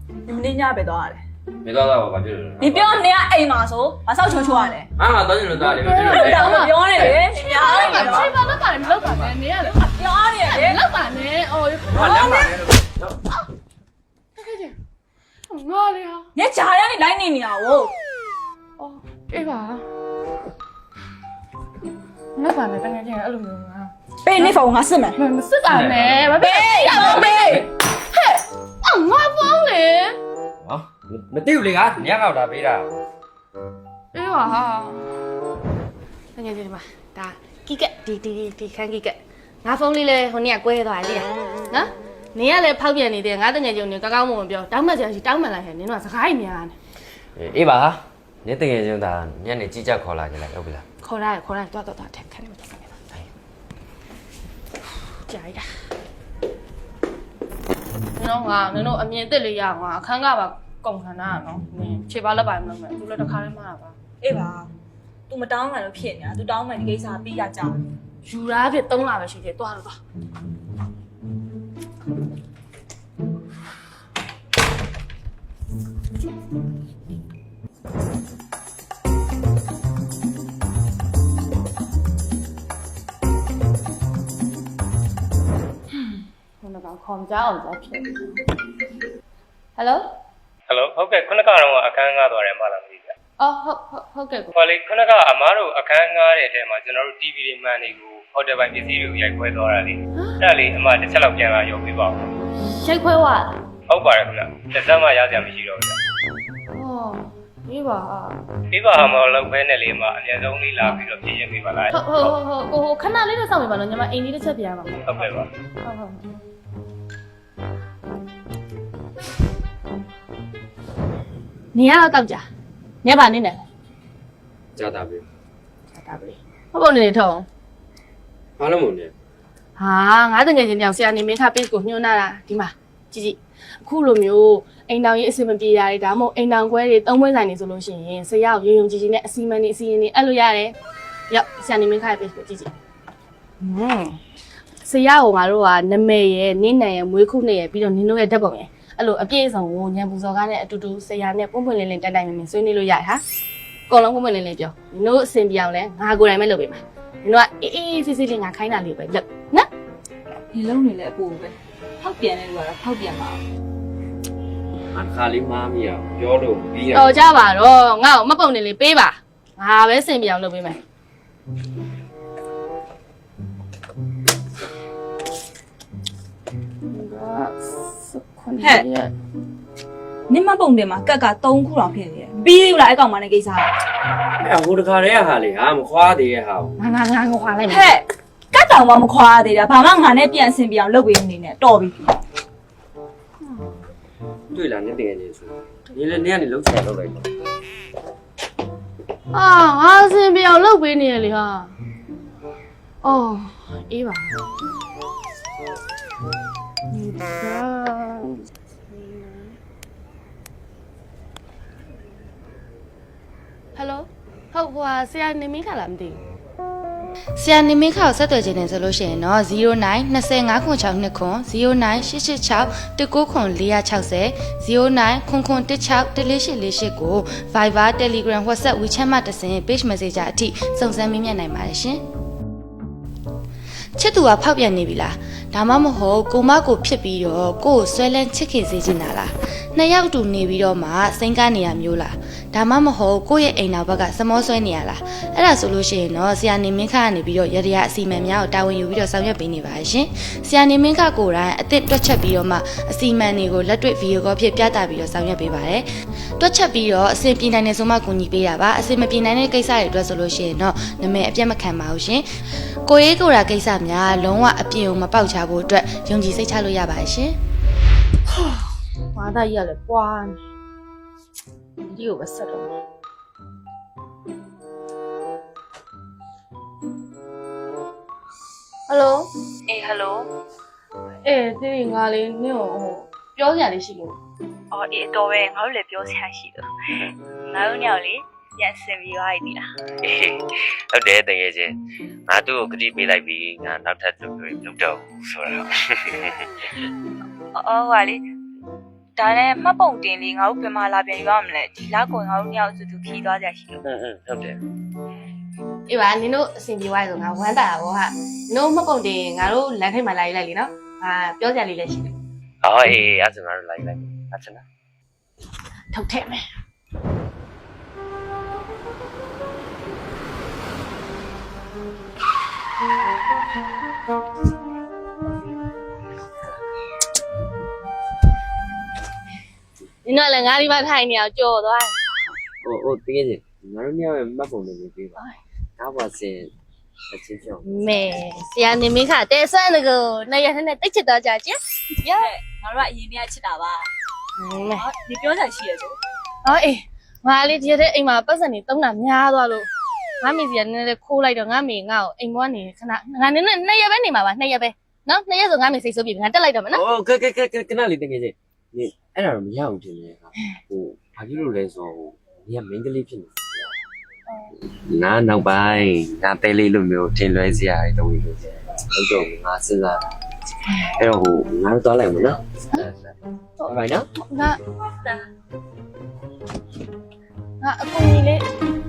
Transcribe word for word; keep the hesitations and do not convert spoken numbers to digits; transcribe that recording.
你们那家别多少嘞？ 没多少，我就是。 你不要那样挨骂说，把少求求啊嘞。 啊，当然了，当然了。 不要不要嘞，你不要嘞。 吃饭都把你们老板呢，你也不要嘞， 老板呢？哦， 啊，两百。 看见，哪里啊？ 你家人你来你鸟哦。 哦，这把。老板呢？刚刚进来二楼啊。 被你放我是没？ 没是干呢，没被没被。 嘿，啊，我放嘞。 啊，没丢嘞啊，你要打背的。 哎呀哈，那你这嘛，打几个，滴滴滴滴看几个，我放你嘞，和你也贵多少哩啊？啊，你也来跑遍你的，我等下就你刚刚我们表，当门就是当门来，你那是海面呢？ 哎吧哈，你等下就打，你那几家考来起来，要不啦？ 考来，考来，多多多，看看你们多少年了。哎，加一个。你弄啊，你弄，面对里样啊，看看吧。讲看哪喏，你七八六百弄没，做了都开嘛吧？ 哎吧，都没当完就骗你，都当完你给啥比呀家？ 有啦，别动啦，别去的，多了多。嗯，我那个框架我在骗。Hello。Hello， ဟုတ်ကဲ့ခုနကတော့အခန်းငားသွားတယ်မလားမသိဘူး။အော်ဟုတ်ဟုတ်ဟုတ်ကဲ့ကိုဟောလေခုနကအမားတို့အခန်းငားတဲ့အထဲမှာကျွန်တော်တို့ တီဗီ တွေမှန်တွေကိုဟိုတယ်ပိုင်းပစ္စည်းတွေကိုရိုက်ခွဲသွားတာလေ။အဲ့ဒါလေးအမတစ်ချက်လောက်ပြန်လာရုပ်ပေးပါဦးရိုက်ခွဲသွား။ဟုတ်ပါတယ်ခင်ဗျ။တစ်စက်မှရစရာမရှိတော့ဘူး။အော်ဒီပါဒီပါဟာမလောက်ပဲနဲ့လေအမအများဆုံးလေးလာပြီးတော့ပြင်ရပေးပါလားဟုတ်ဟုတ်ဟုတ်ကိုခဏလေးတော့စောင့်နေပါတော့ညီမအိမ်လေးတစ်ချက်ပြန်ရမှာ။ဟုတ်ကဲ့ပါ။ဟုတ်ဟုတ်နေရတော့ကြာညပါနေနဲ့ကြာတာပဲတာပြီဟုတ်ပုံနေထုံးဘာလို့မလဲဟာငါတငယ်ချင်းတောင်ဆရာနေမင်းခ page ကိုညွှန်းလာတာဒီမှာကြည့်ကြည့်အခုလိုမျိုးအိမ်တောင်ကြီးအစီအမပြေရတယ်ဒါမှမဟုတ်အိမ်တောင်ခွဲတွေသုံးပွဲဆိုင်နေဆိုလို့ရှိရင်ဆရာကိုရုံရုံကြည်ကြည်နဲ့အစီအမံနေအစီအရင်နေအဲ့လိုရတယ်ရောက်ဆရာနေမင်းခရဲ့ page ကိုကြည့်ကြည့်ဟွန်းဆရာကငါတို့ကနမဲရဲ့နင်းနံရဲ့မွေးခုနဲ့ရဲ့ပြီးတော့နင်းတို့ရဲ့ဓာတ်ပုံရဲ့အဲ့လိုအပြည့်အစုံကိုညံပူစော်ကားနဲ့အတူတူဆရာနဲ့ပွန့်ပွန့်လင်းလင်းတိုင်တိုင်မင်မင်ဆွေးနွေးလို့ရတယ်ဟာအကုန်လုံးပွန့်ပွန့်လင်းလင်းပြောနင်တို့အစင်ပြောင်းလဲငါကိုယ်တိုင်ပဲလုပ်ပေးမှာနင်တို့ကအေးအေးဆေးဆေးလေးငါခိုင်းတာလေးပဲလုပ်နော်你弄你来不呗？好变的路啊，好变嘛。 အခါလေးမားမိရပြောလို့ပြီးရတော်ကြပါတော့ငါ့ကိုမပုံနေလေးပေးပါငါပဲစင်ပြောင်းလုပ်ပေးမယ်ဟဲ့你们蹦的嘛，嘎嘎东库上骗的，比如来讲嘛，那给啥？ အဲ့ဟိုတခါတည်းဟာလေဟာမခွာသေးရဲ့ဟာငါငါငါငါခွာလိုက်မယ်嘿，嘎当我们夸的了，爸妈俺那边身边路边的呢，多比。 တွေ့လားနဲ့တကယ်ကြီးဆို你လည်းနေကနေလှုပ်ချင်လှုပ်လိုက်တော့အာငါစင်ပြောင်းလုပ်ပေးနေရလေဟာအော်အေးပါဟယ်လိုဟုတ်ဟိုဆရာနေမင်းခါလားမသိဘူးဆရာနေမင်းခါကိုဆက်သွယ်ခြင်းနဲ့ဆိုလို့ရှိရင်တော့ zero nine two five six six twoခွန် zero nine eight eight six one nineခွန်four six zero zero nineခွန်ခွန်one six one four eight four eightကို Viber Telegram WhatsApp WeChat မှာတစ်ဆင့် page messenger အထိစုံစမ်းမေးမြန်းနိုင်ပါတယ်ရှင်ချစ်သူကဖောက်ပြန်နေပြီလားဒါမှမဟုတ်ကိုမကိုဖြစ်ပြီးတော့ကိုကိုဆွဲလန်းချစ်ခင်စေချင်တာလားနှစ်ယောက်တူနေပြီးတော့မှစိန်ကနေရမျိုးလားဒါမှမဟုတ်ကိုရဲ့အိမ်နောက်ဘက်ကစမောဆွဲနေရလားအဲ့ဒါဆိုလို့ရှိရင်တော့ဆရာနေမင်းခကနေပြီးတော့ရရအစီအမံများကိုတာဝန်ယူပြီးတော့ဆောင်ရွက်ပေးနေပါရှင်ဆရာနေမင်းခကိုယ်တိုင်အစ်စ်တွက်ချက်ပြီးတော့မှအစီအမံတွေကိုလက်တွေ့ဗီဒီယိုကောဖြစ်ပြသပြီးတော့ဆောင်ရွက်ပေးပါတယ်တွက်ချက်ပြီးတော့အဆင်ပြေနိုင်တဲ့ဆိုမှကူညီပေးတာပါအဆင်မပြေနိုင်တဲ့ကိစ္စတွေအတွက်ဆိုလို့ရှိရင်တော့နာမည်အပြတ်မခံပါဘူးရှင်ကိုရေးကိုရာကိစ္စများလုံးဝအပြည့်အဝမပေါက်ချဖို့အတွက်ယုံကြည်စိတ်ချလို့ရပါတယ်ရှင်။ဘာသာကြီးကလည်းပွားနေ။ဒီကိုပဲဆက်တော့။ဟယ်လိုအေးဟယ်လို။အေးဒီငါလေးနင့်ကိုဟိုပြောစရာလေးရှိလို့အော်အေးတော်ပဲငါတို့လည်းပြောစရာရှိလို့ငါတို့ညောင်လေးပြန်ဆင်ပြီးသွားပြီလားဟုတ်တယ်တကယ်ချင်းငါသူ့ကိုဂတိပေးလိုက်ပြီးငါနောက်ထပ်သူ့ကိုလုပ်တော့ဘူးဆိုတော့အော်ဟာလေဒါနဲ့မှတ်ပုံတင်လေးငါတို့ဘယ်မှာလာပြန်ယူရမလဲဒီလောက်ကိုငါတို့ညောင်စုသူခီးသွားကြရှိလို့อืมอืมဟုတ်တယ်အေးပါနင်တို့အဆင်ပြေသွားဆိုငါဝမ်းတာပါဟာနင်တို့မှတ်ပုံတင်ငါတို့လမ်းထိပ်မှာလာယူလိုက်လीနော်ဟာပြောကြလေးလည်းရှိတယ်ဟောအေးအဲ့ဒါငါတို့လိုက်လိုက်အချင်လားထုတ်ထည့်မယ်နင်တို့လည်းငါဒီမှာထိုင်နေအောင်ကြော်သွားဟိုဟိုတကယ်ချင်းငါတို့ညရဲ့မှတ်ပုံလေးပေးပါဒါပါစင်အချင်းချင်းမဲဆရာနေမင်းခတဲဆွမ်းတကူနှစ်ရက်နဲ့တိတ်ချစ်တော့ကြချင်းရငါတို့ကအရင်ကချစ်တာပါမဲဟောဒီပြောတာရှိရဆိုအော်အေးငါလေးဒီရက်အိမ်မှာပတ်စံနေတုံးတာများသွားလို့ငါမေစီကနည်းနည်းခိုးလိုက်တော့ငါမေငါ့ကိုအိမ်ဘွားနေခဏငါနည်းနည်းနှစ်ရက်ပဲနေမှာပါနှစ်ရက်ပဲနော်နှစ်ရက်ဆိုငါမေစိတ်ဆိုးပြီငါတက်လိုက်တော့မယ်နော်ဟိုကဲကဲကဲကနလေးတကယ်ချင်းနေအဲ့ဒါတော့မရအောင်ထင်တယ်ဟာဟိုဘာဖြစ်လို့လဲဆိုတော့ညမင်းကလေးဖြစ်နေငါနောက်ပိုင်းငါတဲလေးလိုမျိုးထင်လွဲစရာတွေတော့ဝင်လို့ဟုတ်တော့ငါစဉ်းစားအဲ့တော့ဟိုငါတို့သွားလိုက်မနော်ဟုတ်ပါနော်ငါငါအကူကြီးလေး